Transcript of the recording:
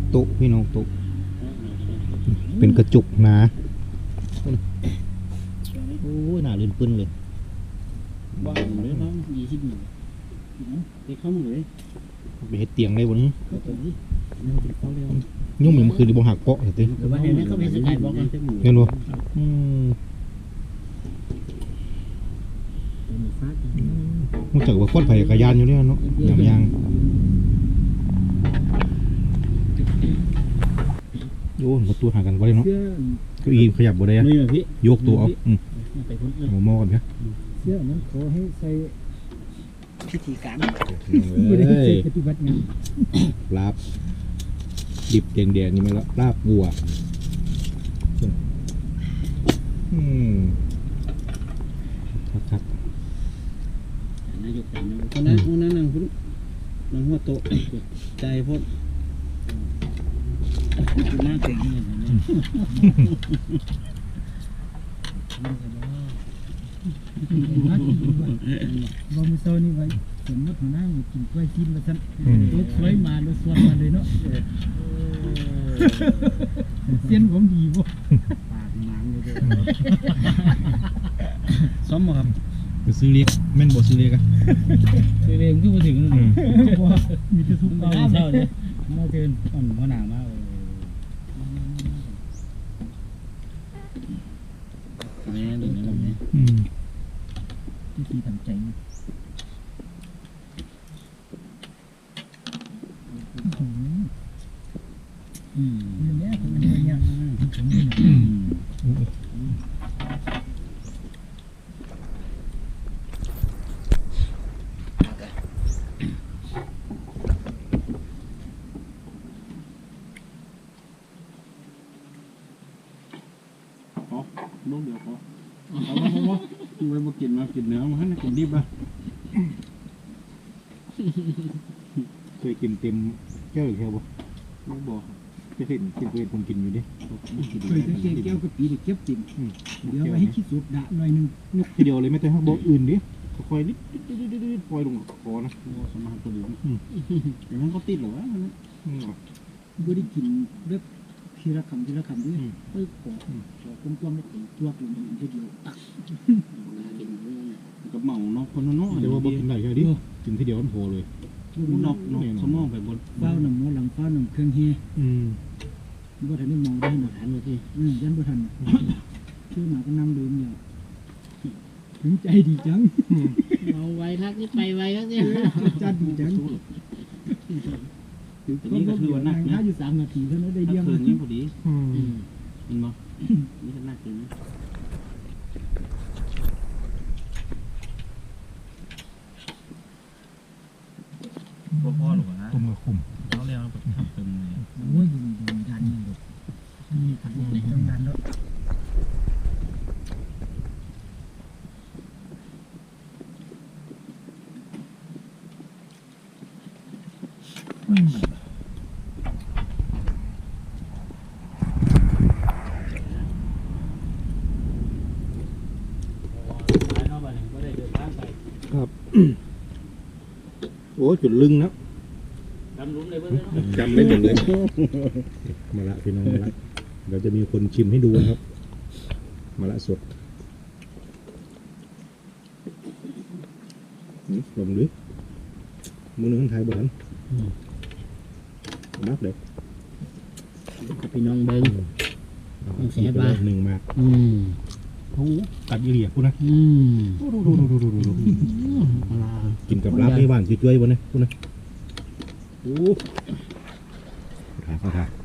โต๊ะพี่น้องโต๊ะเป็นกระจุกหนาโอ้ยหนาลื่นปื้นเลยบ้านเลยน้อง20 หนึ่งไปเข้ามาเลยไปเฮ็ดเตียงได้บนนี้ตัวนี้มันเป็นเขาเร็วยุ่งเหมือนคืนที่บ่หักเปาะสิหรือว่าเห็นไหมเขาเป็นสกายบล็อกเลยเงินบ่รู้จักว่าคนไผ่กระยานอยู่เนี่ยเนาะยามยางโอ้ประตูห่างกันบ่ได้เนาะเก้าอี้ขยับบ่ได้อะนี่พี่ยกตัวเอาไปพ้นเลยหมอกันครับเสื้อนั้นขอให้ใส่พิธีการไม่ได้ใส่ปฏิบัติงานลาบดิบแดงๆนี่มันลาบวัวครับนายกแต่งคนนั้นนั่งพุ่นนั่งหัวโต๊ะใจพ้นหน้าเก่งเลยว่ามือเช้านี่ไว้สมมติหัวหน้ามากินกล้วยกินมาสั่นโต๊ะสวยมาแล้วสวนมาเลยเนาะเสียนผมดีบ่ปากหนังเลยซ้อมมาครับไปซื้อเล็กแม่นบ่ซื้อเล็กอะคือเรียนขึ้นมาถึงนั่นว่ามีแต่ทุกเช้าเช้าเนี่ยมาเกินอ่อนหัวหนามากนี่ดูนะแบบนี้ที่ทีทำใจเนี่ยคนนี้เนี่ยผมนี่นะลูกเดียวพอเอามาดูไปมากินเนื้อมาให้กินดิบอ่ะเคยกินเต็มแก้วอีกแค่บ่ลูกบอกจะเห็นผมกินอยู่ดิเคยจะแก้วกะปิเก็บติ่มเดี๋ยวไปให้คิดสุดด่าหน่อยนึงนกทีเดียวเลยไม่ต้องบ่อื่นดิค่อยๆนิดปล่อยลงคอนะสมาตัวดีแต่มันก็ติดหรอวะมันบ่ได้กินแบบทีละคำด้วยเอ้ยขอกลมๆแล้วติ่งตัวลงมันทีเดียวตักกับเมาเนาะคนเนาะแต่ว่าบ่กินได้แค่ดิกินทีเดียวมันพอเลยนอกสมองไปบนเฝ้าน้ำหมอหลังเฝ้าน้ำเครื่องเฮบ่ทันได้มองได้หนักฐานเลยที่ยันบ่ทันชื่อหมาก็นั่งดื่มอยู่ถึงใจดีจังเอาไว้ทักนี่ไปไว้ทักนี่จัดดีจังนี่ก็คือว่านักนะอยู่3 นาทีเท่านั้นได้เยี่ยมคืนนี้พอดีเห็นบ่นี่ก็นักเลยนะพ่อหรอนะต้มกระขุ่มเขาเรียกว่าทำเต็มเลยโอ้ยอยู่ดันนี่นี่ขัดในต้องดันแล้วครับ โอ้จุดลึงนะจำลุ้นเลยเพื่อนจำได้หมดเลยมาละพี่น้องมาละเดี๋ยวจะมีคนชิมให้ดูนะครับมาละสดลงดิมือหนึ่งไทยบ่ทันนับเลยพี่น้องเบิ้งเสียบ้าหนึ่งมากโอ้กัดยี่เหลี่ยพูดนะดูกินกับลาบไม่หวานช่วยๆวะเนี่ยพูดนะโอ้ถ่าย